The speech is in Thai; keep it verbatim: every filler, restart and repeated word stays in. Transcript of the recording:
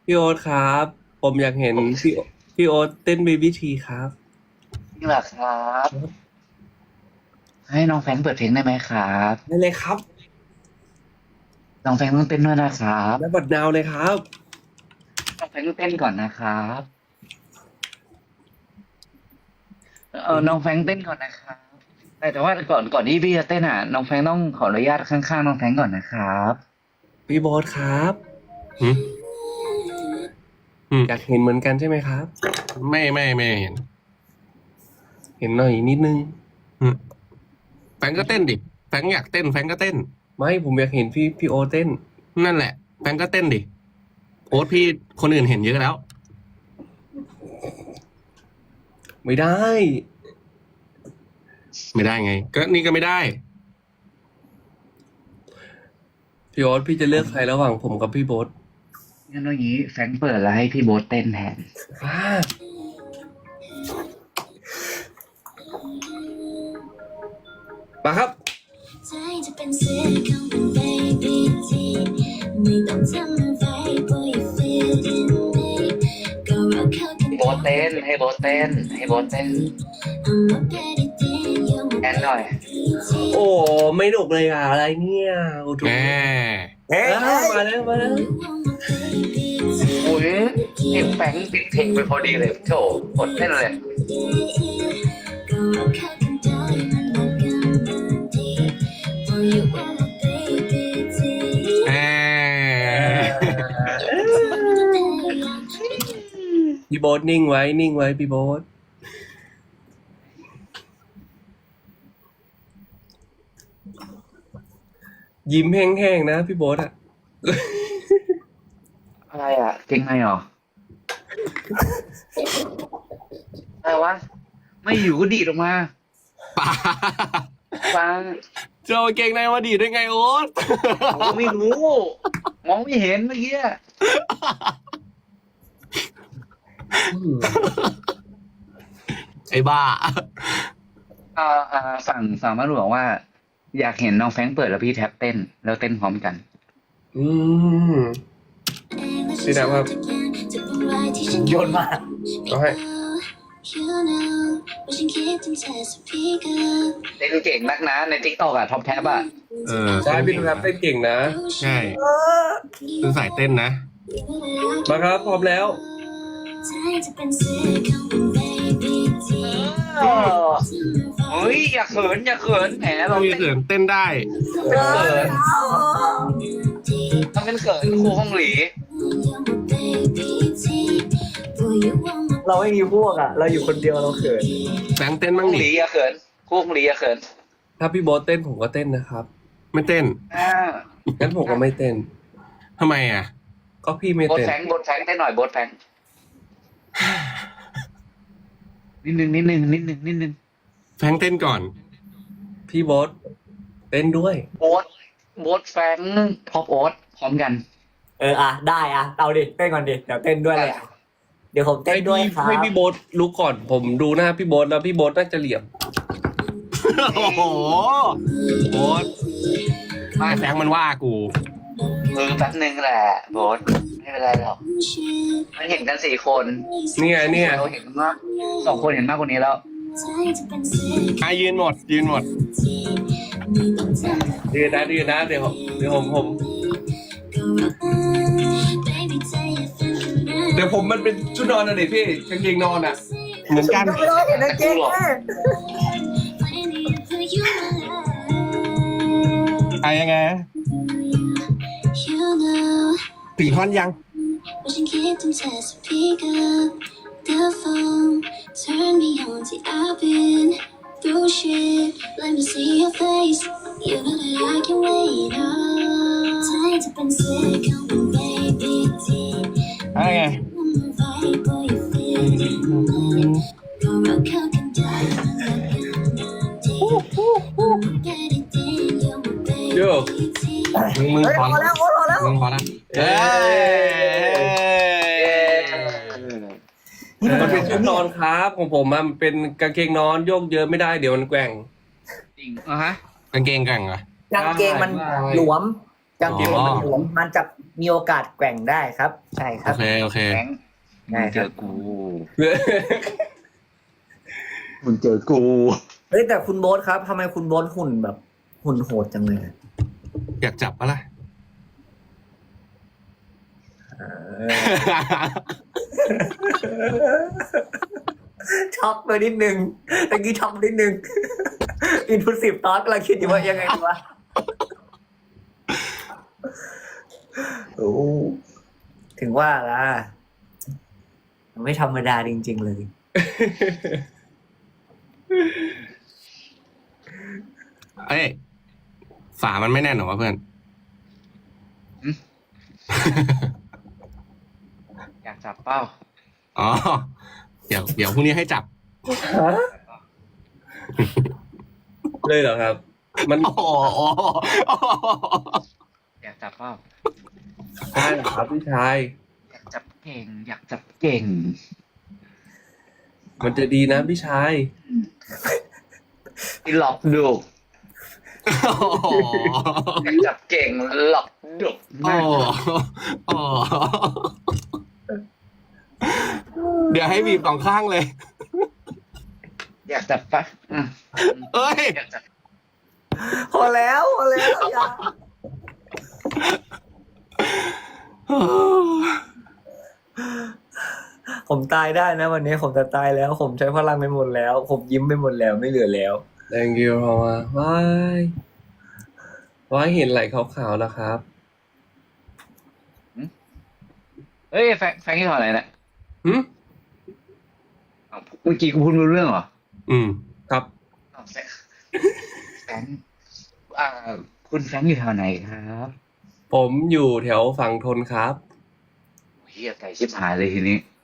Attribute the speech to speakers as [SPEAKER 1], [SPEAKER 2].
[SPEAKER 1] พี่โอ๊ตครับ ผมอยากเห็นพี่พี่โอ๊ตเต้น Baby T ครับ
[SPEAKER 2] จริงเหรอครับ ให้น้องแฟรงค์เปิดเพลงได้ไหมครับ
[SPEAKER 1] ได้เลยครับ
[SPEAKER 2] น้องแฟรงค์ต้องเต้นด้วยนะครับ
[SPEAKER 1] และบัดนาวเลยครับ
[SPEAKER 2] น้องแฟรงค์ต้องเต้นก่อนนะครับเออน้องแฟรงค์เต้นก่อนนะครับแต่แต่ว่าก่อนก่อนที่พี่จะเต้นอ่ะน้องแฟรงค์ต้องขออนุญาตข้างๆน้องแฟรงค์ก่อนนะครับ
[SPEAKER 1] พี่โบ๊ทครับ
[SPEAKER 3] หืมอืม
[SPEAKER 1] อยากเห็นเหมือนกันใช่ไหมครับ
[SPEAKER 3] ไม่ไม่ไม่เห็น
[SPEAKER 1] เห็นหน่อยนิดนึง
[SPEAKER 3] อืมแฟรงก์ก็เต้นดิแฟรงก์อยากเต้นแฟรงก์ก็เต้น
[SPEAKER 1] ไม่ผมอยากเห็นพี่พี่โอ๊ตเต้น
[SPEAKER 3] นั่นแหละแฟรงก์ก็เต้นดิโอ๊ตพี่คนอื่นเห็นเยอะแล้ว
[SPEAKER 1] ไม่ได้
[SPEAKER 3] ไม่ได้ไง ก็นี่ก็ไม่ได้
[SPEAKER 1] พี่โอ๊ตพี่จะเลือกใครระหว่างผมกับพี่โบ๊ท
[SPEAKER 2] งั้นอย่างนี้แฟรงค์เปิดแล้วให้พี่โบ๊ทเต้นแทน
[SPEAKER 1] อ่ามาครับ
[SPEAKER 4] ใจจะเป็นเสือของเป็น baby T ไม่ต้องทำอะไร boy you feel in me ก็เราเข้ากัน
[SPEAKER 2] ให้โบ๊ทเต้นให้โบ๊ทเต้นให้โบ๊ทเต้น
[SPEAKER 4] I'm a petty thing you're my
[SPEAKER 2] แอนหน่อย
[SPEAKER 4] baby T
[SPEAKER 1] โอ้ไม่หนุกเลยอ่ะอะไรเนี่ยโอ้ถูก
[SPEAKER 3] แหม
[SPEAKER 1] เอ้ยมาแล้วมาแล้ว
[SPEAKER 4] you want my baby T
[SPEAKER 2] อุ้ยเพลงแฟรงค์ปิดเพลงไปพอดีเลยโถกดเต้นเลย
[SPEAKER 4] ก็เราเข้ากันได้มันรักกันมันดี boy you want my baby T
[SPEAKER 3] แหม
[SPEAKER 1] พี่โบ๊ทนิ่งไว้นิ่งไว้พี่โบ๊ทยิ้มแห้งๆนะพี่โบ๊ทอ่ะ
[SPEAKER 2] อะไรอ่ะเก่งไงหรออะไรวะไม่อยู่ก็ดีดออกมา
[SPEAKER 3] ป่า
[SPEAKER 2] ฟัง
[SPEAKER 3] เจ้าเก่งในมาดีได้ไงโอ๊ต
[SPEAKER 2] ผมไม่รู้ มองไม่เห็นเมื่อกี้
[SPEAKER 3] ไอ้บ้า
[SPEAKER 2] อ่าอ่าฝั่งฝั่งมาหลวงว่า อยากเห็นน้องแฟรงค์เปิดแล้วพี่แท็บเต้น แล้วเต้นพร้อมกัน
[SPEAKER 1] อืม นี่นะครับ
[SPEAKER 2] โยนมา
[SPEAKER 1] ก็ให้
[SPEAKER 4] You know ว่าฉันคิดถึงเธอสักพีก็
[SPEAKER 2] เต้นเก่งนักนะในทิกตอกอะท็อปแท็บอะ
[SPEAKER 3] เออ
[SPEAKER 1] ใช่พี่ลูกครับเต้นเก่งนะ
[SPEAKER 3] ใช่เป็นสายเต้นนะ
[SPEAKER 1] มาครับพร้อมแล้ว
[SPEAKER 4] ใจจะเป็นเสือของเป็น baby T
[SPEAKER 2] เฮ้ยอย่าเขินอย่าเขินแหมเรา
[SPEAKER 3] เรามี
[SPEAKER 2] เต้น
[SPEAKER 3] เขินเต้นได้
[SPEAKER 2] เป็นเขินทำเป็นเขินครูห้องหลี
[SPEAKER 5] เราไม่มีพวกอ่ะ เราอยู่คนเดียวเราเขิน
[SPEAKER 3] แฟรงก์เต้น
[SPEAKER 2] ห้
[SPEAKER 3] บ้า
[SPEAKER 2] อง งห
[SPEAKER 3] ดิ
[SPEAKER 2] ลีอย่าเขินครูห้องหลีอย่าเขิน
[SPEAKER 1] ถ้าพี่โบ๊ทเต้นผมก็เต้นนะครับ
[SPEAKER 3] ไม่เต้น
[SPEAKER 2] อ่า
[SPEAKER 1] งั้นผมก็ไม่เต้น
[SPEAKER 3] ทำไมอ่ะ
[SPEAKER 1] ก็พี่ไม่
[SPEAKER 2] โบท
[SPEAKER 1] เต้น
[SPEAKER 2] แฟงโบทแฟงเต้นหน่อยโบทแฟงนิดนึงนิดนึงนิดนึงนิดนึง
[SPEAKER 3] แฟรงก์เต้นก่อน
[SPEAKER 1] พี่โบ๊ทเต้นด้วย
[SPEAKER 2] โบทโบทแฟงท็อปโอ๊ตพร้อมกัน
[SPEAKER 5] เอออ่ะได้อ่ะเอาดิเต้นก่อนดิเดี๋ยวเต้นด้วยเลยอ่ะเดี๋ยวผมเต้
[SPEAKER 1] ให้
[SPEAKER 5] นด้วย
[SPEAKER 1] พี่
[SPEAKER 5] ครับ
[SPEAKER 1] ให้พี่โบ๊ทรู้ก่อน ผมดูหน้าพี่โบ๊ทแล้วพี่โบ๊ทน่าจะเหลี่ยม
[SPEAKER 3] โอ้โหโอ๊ตไม่แฟรงก์มันว่ากู
[SPEAKER 2] เออแป๊บนึงแหละโบทไม่เป็นไรหรอกมันเห็นกันสี่คน
[SPEAKER 1] เนี่ยเนี่ย
[SPEAKER 2] เราเห็นมากสองคนเห็นมากกว่านี้แล้ว
[SPEAKER 3] อ่ะยืนหมด ยืนหมด
[SPEAKER 1] ดีนะดีนะเดี๋ยวเดี๋ยวผมผม เดี๋ยวผมมันเป็นชุดนอนนะเด็พี่กางเกงนอนอ่ะ
[SPEAKER 3] เหมือนกัน
[SPEAKER 5] ไม่ต้องเห็นนะเจ๊งแม่
[SPEAKER 3] อะยังไงสี่ท่อนยัง
[SPEAKER 4] ว่าฉันคิดถึงเธอสักพีก็ The phone turn me on till I've been through shit let me see your face you know that I can wait on ใจจะเป็นเสือของเป็น baby T
[SPEAKER 3] อะไง
[SPEAKER 4] vibe boy you feel it ก็เราเข้ากันได้มันรักกันดี I'm a petty thing you're my baby
[SPEAKER 1] โย
[SPEAKER 4] T
[SPEAKER 3] มึงมึง
[SPEAKER 5] เฮ้ย
[SPEAKER 3] พ
[SPEAKER 5] พ
[SPEAKER 3] อ
[SPEAKER 5] อแล้วโอ้พอแล้ว
[SPEAKER 3] มึงพอแล้ว
[SPEAKER 1] เอ้ยมันเป็นชุดนอนครับของผมอะมันเป็นกางเกงนอนโยกเยอะไม่ได้เดี๋ยวมันแกว่ง
[SPEAKER 2] จริงอ่ะฮะ
[SPEAKER 3] กางเกงแกร่งเหรอก
[SPEAKER 5] างเกงมันหลวมกางเกงมันหลวมมันจะมีโอกาสแกว่งได้ครับ ใช่ค
[SPEAKER 3] โอ
[SPEAKER 5] รับ
[SPEAKER 3] เคโอเค
[SPEAKER 2] แฟรงค์
[SPEAKER 5] ได้
[SPEAKER 2] มึง
[SPEAKER 5] ค
[SPEAKER 2] เจ
[SPEAKER 5] รับ
[SPEAKER 2] อกู
[SPEAKER 5] มึงเจอกูเฮ้ยแต่คุณโบ๊ทครับทำไมคุณโบ๊ทหุ่นแบบ หุ่นโหดจังเลยอะ
[SPEAKER 3] อยากจับปะล่ะ
[SPEAKER 5] เออ ช็อกไปนิดนึงตะกี้ช็อกนิดนึง อินพุสิฟตอนกำลังคิดอยู่ว่ายังไงดีวะโอ้ถึงว่าล่ะไม่ธรรมดาจริงๆเลย
[SPEAKER 3] เอ้ยฝามันไม่แน่นเหรอวะเพื่อน
[SPEAKER 2] อยากจับเป้า
[SPEAKER 3] อ๋อ เดี๋ยวเดี๋ยวพรุ่งนี้ให้จับ
[SPEAKER 1] เลยเหรอครับ มัน
[SPEAKER 3] โอ้โห
[SPEAKER 2] อยากจับเป้า
[SPEAKER 1] ใช่เหรอครับพี่ชาย
[SPEAKER 2] อยากจับเก่ง อยากจับเก่ง
[SPEAKER 1] มันจะดีนะพี่ชาย
[SPEAKER 2] ที่หลอกดุอยากจับเก่งหลอกดุ
[SPEAKER 3] โอ้โอ้เดี๋ยวให้บีบสองข้างเลย
[SPEAKER 2] อยากจับปะอืม
[SPEAKER 3] เอ้ย
[SPEAKER 2] อยากจับ
[SPEAKER 5] พอแล้วพอแล้วอย่าผมตายได้นะวันนี้ผมจะตายแล้ว ผมใช้พลังไปหมดแล้ว ผมยิ้มไปหมดแล้วไม่เหลือแล้ว
[SPEAKER 1] thank you เพราะว่าว้ายว้ายเห็นไหลขาวๆนะครับ
[SPEAKER 2] เฮ้ยแฟงแฟงที่ทำอะไรนะ
[SPEAKER 1] หืม
[SPEAKER 2] อ้าวเมื่อกี้กูพูดไม่รู้เรื่องเหรอ
[SPEAKER 3] อืม
[SPEAKER 1] ครับ
[SPEAKER 2] อ้าวแฟงแฟงอ่าคุณแฟงอยู่แถวไหนครับ
[SPEAKER 1] ผมอยู่แถวฝั่งทนครับ
[SPEAKER 2] เฮียไก่ชิบหายเลยทีนี้